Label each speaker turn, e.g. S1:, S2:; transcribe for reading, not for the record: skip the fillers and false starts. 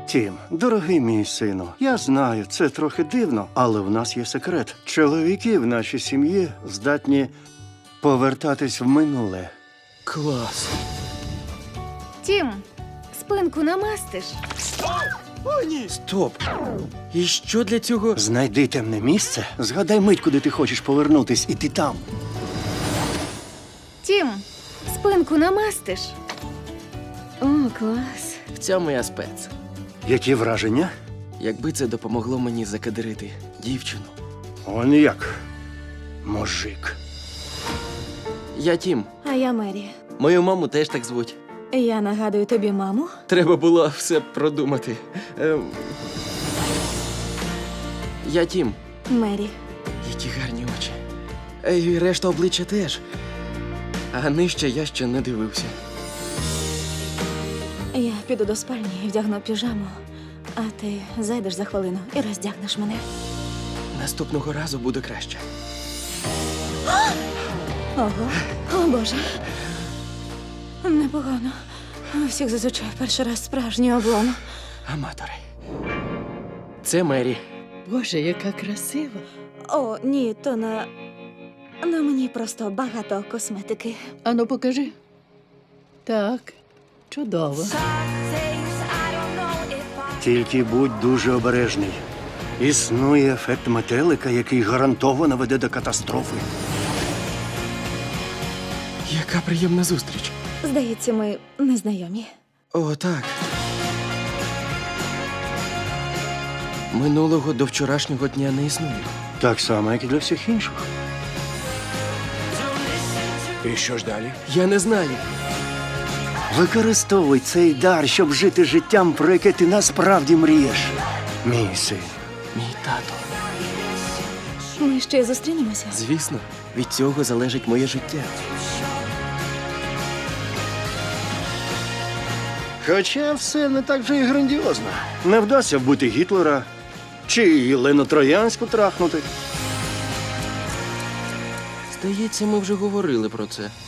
S1: Тім, дорогий мій сину, я знаю, це трохи дивно, але в нас є секрет. Чоловіки в нашій сім'ї здатні повертатись в минуле.
S2: Клас.
S3: Тім, спинку намастиш.
S2: О, ні! Стоп! І що для цього?
S1: Знайди темне місце, згадай мить, куди ти хочеш повернутись, і ти там.
S3: Тім, спинку намастиш. О, клас.
S2: В цьому я спец.
S1: Які враження?
S2: Якби це допомогло мені закадирити дівчину.
S1: Он як. Мужик.
S2: Я Тім.
S4: А я Мері.
S2: Мою маму теж так звуть.
S4: Я нагадую тобі маму.
S2: Треба було все продумати. Я Тім.
S4: Мері.
S2: Які гарні очі. І решта обличчя теж. А нижче я ще не дивився.
S4: Я піду до спальні і вдягну піжаму, а ти зайдеш за хвилину і роздягнеш мене.
S2: Наступного разу буде краще.
S4: Ого, о Боже. Непогано. У всіх зазвичай перший раз справжній облом.
S2: Аматори. Це Мері.
S5: Боже, яка красива.
S4: О, ні, то на мені просто багато косметики.
S5: Ану, покажи. Так, чудово.
S1: Тільки будь дуже обережний. Існує ефект метелика, який гарантовано веде до катастрофи.
S2: Яка приємна зустріч.
S4: Здається, ми незнайомі.
S2: О, так. Минулого до вчорашнього дня не існує.
S1: Так само, як і для всіх інших.
S6: І що ж далі?
S2: Я не знаю.
S1: Використовуй цей дар, щоб жити життям, про яке ти насправді мрієш. Мій син.
S2: Мій тато.
S4: Ми ще й зустрінемося.
S2: Звісно, від цього залежить моє життя.
S1: Хоча все не так вже і грандіозно. Не вдасться вбити Гітлера чи Єлену Троянську трахнути.
S2: Здається, ми вже говорили про це.